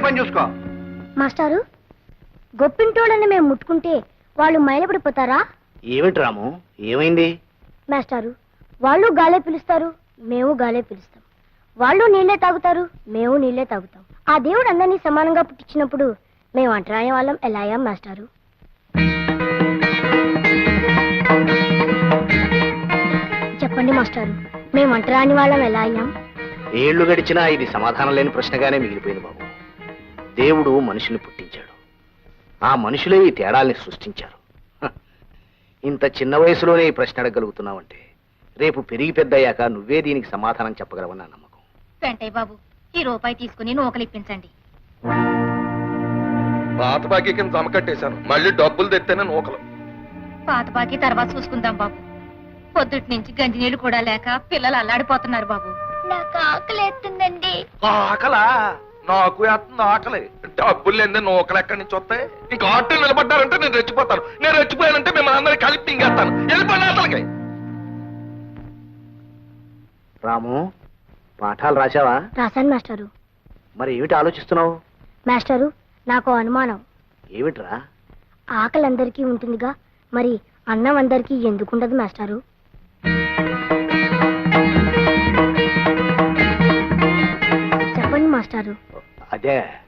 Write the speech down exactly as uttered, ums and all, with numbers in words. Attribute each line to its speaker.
Speaker 1: పని చూసుకో.
Speaker 2: మాస్టారు, గొప్పింటోళ్ళని మేము ముట్టుకుంటే వాళ్ళు మైలపడిపోతారా?
Speaker 1: ఏమిటి రాము, ఏమైంది?
Speaker 2: మాస్టారు, వాళ్ళు గాలే పిలుస్తారు, మేము గాలే పిలుస్తాం. వాళ్ళు నీళ్లే తాగుతారు, మేము నీళ్లే తాగుతాం. ఆ దేవుడు అందరినీ సమానంగా పుట్టించినప్పుడు మేము అంటరాని వాళ్ళం ఎలా అయ్యాం మాస్టారు? చెప్పండి మాస్టారు, మేము అంటరాని వాళ్ళం ఎలా అయ్యాం?
Speaker 1: ఏళ్లు గడిచినా ఇది సమాధానం లేని ప్రశ్నగానే మిగిలిపోయింది బాబు. దేవుడు మనుషుల్ని పుట్టించాడు, ఆ మనుషులే ఈ తేడాల్ని సృష్టించారు. హ, ఇంత చిన్న వయసులోనే ఈ ప్రశ్న అడగలుగుతున్నావంటే రేపు పెరిగి పెద్దయ్యాక నువ్వే దీనికి సమాధానం చెప్పగలవని నా నమ్మకం.
Speaker 3: వెంటయ్య బాబు, ఈ రూపాయి తీసుకుని నూకలిప్పించండి.
Speaker 4: పాత బాకీ కింద జమ కట్టేశాను, మళ్ళీ డబ్బులు తెత్తేనే నూకలు.
Speaker 3: పాత బాకీ తర్వాత చూసుకుందాం బాబు. పొద్దుటి నుంచి గంజి నీళ్లు కూడా లేక పిల్లలు అల్లాడిపోతున్నారు బాబు.
Speaker 2: నాకు ఆకలి ఎత్తుందండి.
Speaker 4: ఆకలా? నాకు వేస్తుంది ఆకలి. డబ్బులు లేదే నూకలు ఎక్కడి నుంచి వస్తాయి? ఇంకా ఆటో నిలబడ్డారంటే నేను రెచ్చిపోతాను. నేను రెచ్చిపోయానంటే మిమ్మల్ని అందరినీ కలిపి తింగేస్తాను. వెళ్ళిపోయిన అసలుకి.
Speaker 1: రాము, పాఠాలు రాశావా?
Speaker 2: రాశాను మాస్టారు.
Speaker 1: మరి ఏమిటి ఆలోచిస్తున్నావు?
Speaker 2: మాస్టారు, నాకు అనుమానం.
Speaker 1: ఏమిట్రా?
Speaker 2: ఆకలి అందరికీ ఉంటుందిగా, మరి అన్నం అందరికీ ఎందుకుండదు మాస్టారు? చెప్పండి మాస్టారు.
Speaker 1: అదే